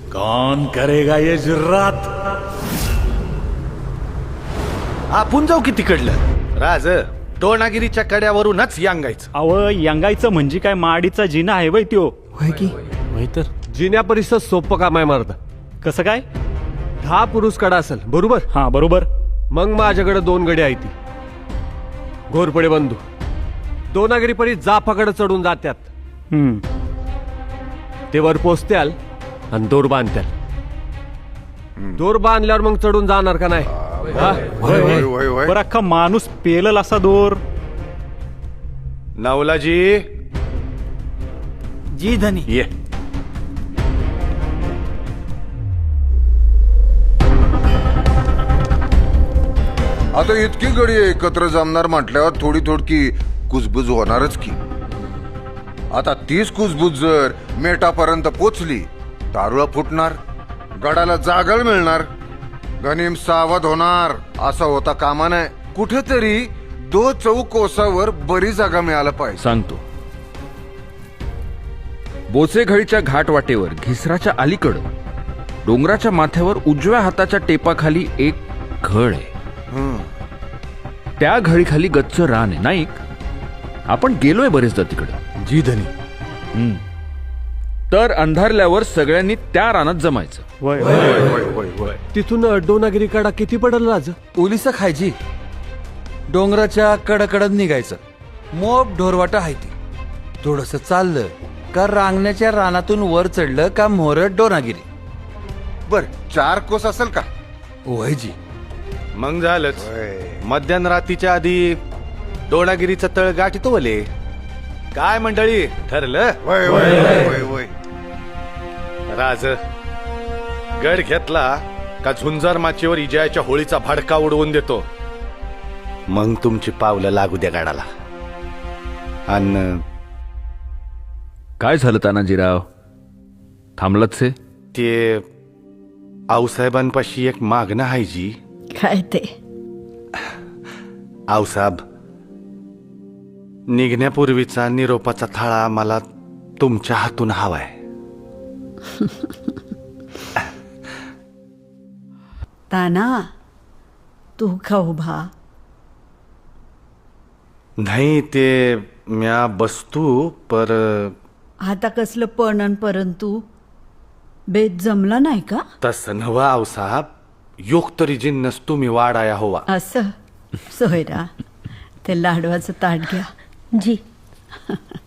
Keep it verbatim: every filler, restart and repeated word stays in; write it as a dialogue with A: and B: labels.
A: कौन करेगा ये जुर्रात?
B: आपण जाऊ की तिकडलं राज दोनागिरीच्या कड्यावरूनच यांगायचं.
C: अव यांगायचं म्हणजे काय माडीचा जिना आहे वय त्यो.
D: होय की
E: होय तर जिन्या परिसर सोपं काम आहे मारदा.
C: कसं काय?
E: दहा पुरुष कडा असेल बरोबर.
C: हा बरोबर.
E: मग माझ्याकडे दोन गडी आहे ती घोरपडे बंधू दोनागिरी परी जाफाकडे चढून जात्यात.
C: हम्म.
E: ते वर पोचत्याल आणि दोर बांधत्याल. दोर बांधल्यावर मग चढून जाणार का नाही? हा?
F: होय होय होय होय.
C: बरं अख्खा माणूस पेलल असा दोर.
B: नवलाजी
D: जी धनी.
B: ये.
F: आता इतकी गडी एकत्र जमणार म्हटल्यावर थोडी थोडकी कुजबुज होणारच की. आता तीच कुजबुज जर मेटापर्यंत पोचली दारुळा फुटणार, गडाला जागळ मिळणार, गनिम सावध होणार. असा होता कामा नये. कुठेतरी दो चौक कोसावर बरी जागा मिळायला पाहिजे.
G: सांगतो. बोचेघळीच्या घाटवाटेवर घिसराच्या अलीकडं डोंगराच्या माथ्यावर उजव्या हाताच्या टेपाखाली एक घळ आहे. त्या घळीखाली गच्च रान आहे. नाईक आपण गेलोय बरेचदा तिकडं.
A: जी धनी.
G: तर अंधारल्यावर सगळ्यांनी त्या रानात जमायचं.
C: वय
F: होय होय होय.
E: तिथून दोनागिरी कडा किती पडल राज?
D: ओलिसा खायची. डोंगराच्या कडकडत निघायचं. मोप ढोरवाटा आहे ती. थोडस चाललं का रांगण्याच्या रानातून वर चढलं का मोरट डोनागिरी.
F: बर चार कोस असेल का?
D: होय जी.
B: मग झालंच. मध्यान रात्रीच्या आधी दोनागिरीचं तळ गाठी तो वले. काय मंडळी ठरलं?
F: होय होय होय होय.
B: राज गड घेतला का झुंजार माचीवर इजयाच्या होळीचा भडका उडवून देतो. मग तुमची पावलं लागू द्या गाडाला. अन
G: काय झालं तानाजीराव? थांबलत से?
B: ते आऊसाहेबांपाशी एक मागणं आहे जी.
H: काय ते?
B: आऊसाहेब निघण्यापूर्वीचा निरोपाचा थाळा मला तुमच्या हातून हवाय.
H: ताना तू का उभा?
B: नाही ते म्या बसतू पर
H: आता कसलं पणन परंतु बेत जमला नाही का?
B: तसं नवं आऊसाहेब. योग तरी जिन्नस तुम्ही वाढाया होवा.
H: असं सोयरा ते लाडवाचं ताट घ्या.
I: जी